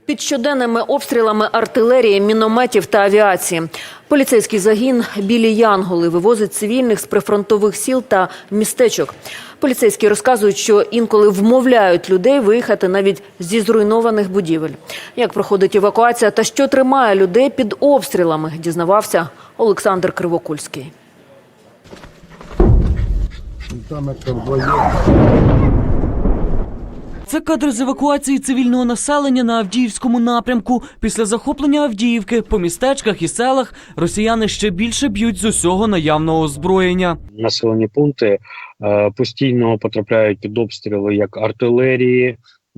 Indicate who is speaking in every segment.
Speaker 1: Під щоденними обстрілами артилерії, мінометів та авіації. Поліцейський загін «Білі Янголи» вивозить цивільних з прифронтових сіл та містечок. Поліцейські розказують, що інколи вмовляють людей виїхати навіть зі зруйнованих будівель. Як проходить евакуація та що тримає людей під обстрілами, дізнавався Олександр Кривокульський.
Speaker 2: Це кадри з евакуації цивільного населення на Авдіївському напрямку. Після захоплення Авдіївки по містечках і селах росіяни ще більше б'ють з усього наявного озброєння.
Speaker 3: Населені пункти постійно потрапляють під обстріли як артилерії,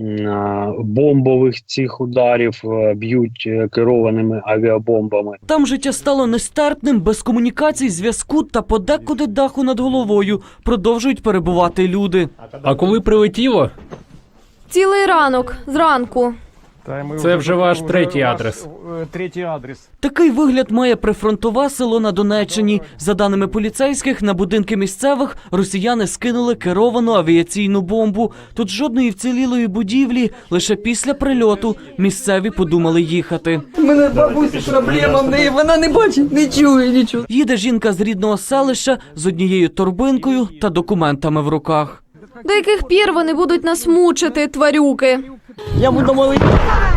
Speaker 3: бомбових цих ударів, б'ють керованими авіабомбами.
Speaker 2: Там життя стало нестерпним, без комунікацій, зв'язку та подекуди даху над головою. Продовжують перебувати люди.
Speaker 4: А коли прилетіло?
Speaker 5: Цілий ранок, зранку.
Speaker 4: Це вже ваш третій адрес.
Speaker 2: Такий вигляд має прифронтове село на Донеччині. За даними поліцейських, на будинки місцевих росіяни скинули керовану авіаційну бомбу. Тут жодної вцілілої будівлі, лише після прильоту місцеві подумали їхати.
Speaker 6: У мене бабусі проблема, в неї вона не бачить, не чує нічого.
Speaker 2: Їде жінка з рідного селища з однією торбинкою та документами в руках.
Speaker 5: До яких пір вони будуть нас мучити, тварюки?
Speaker 6: Я буду молити.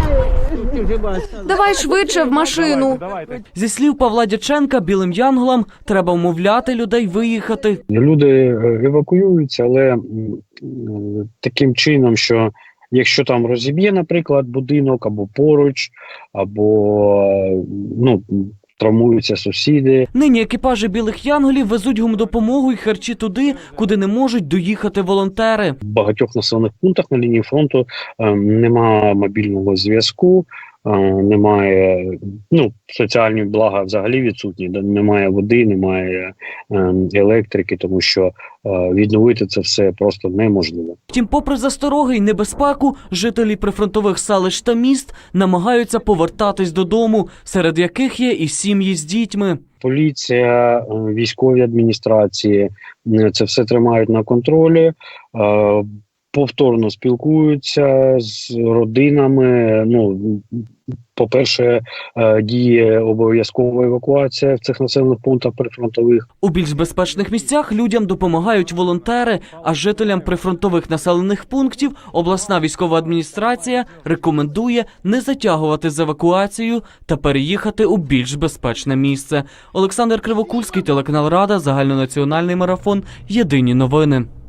Speaker 5: Давай швидше в машину.
Speaker 2: Зі слів Павла Дяченка, білим янголам треба вмовляти людей виїхати.
Speaker 3: Люди евакуюються, але таким чином, що якщо там розіб'є, наприклад, будинок або поруч, або травмуються сусіди.
Speaker 2: Нині екіпажі білих янголів везуть гумдопомогу і харчі туди, куди не можуть доїхати волонтери.
Speaker 3: В багатьох населених пунктах на лінії фронту немає мобільного зв'язку, немає, соціальні блага взагалі відсутні, немає води, немає електрики, тому що відновити це все просто неможливо.
Speaker 2: Втім, попри застороги й небезпеку, жителі прифронтових селищ та міст намагаються повертатись додому, серед яких є і сім'ї з дітьми.
Speaker 3: Поліція, військові адміністрації це все тримають на контролі, повторно спілкуються з родинами. По-перше, діє обов'язкова евакуація в цих населених пунктах прифронтових.
Speaker 2: У більш безпечних місцях людям допомагають волонтери, а жителям прифронтових населених пунктів обласна військова адміністрація рекомендує не затягувати з евакуацією та переїхати у більш безпечне місце. Олександр Кривокульський, телеканал Рада, загальнонаціональний марафон, Єдині новини.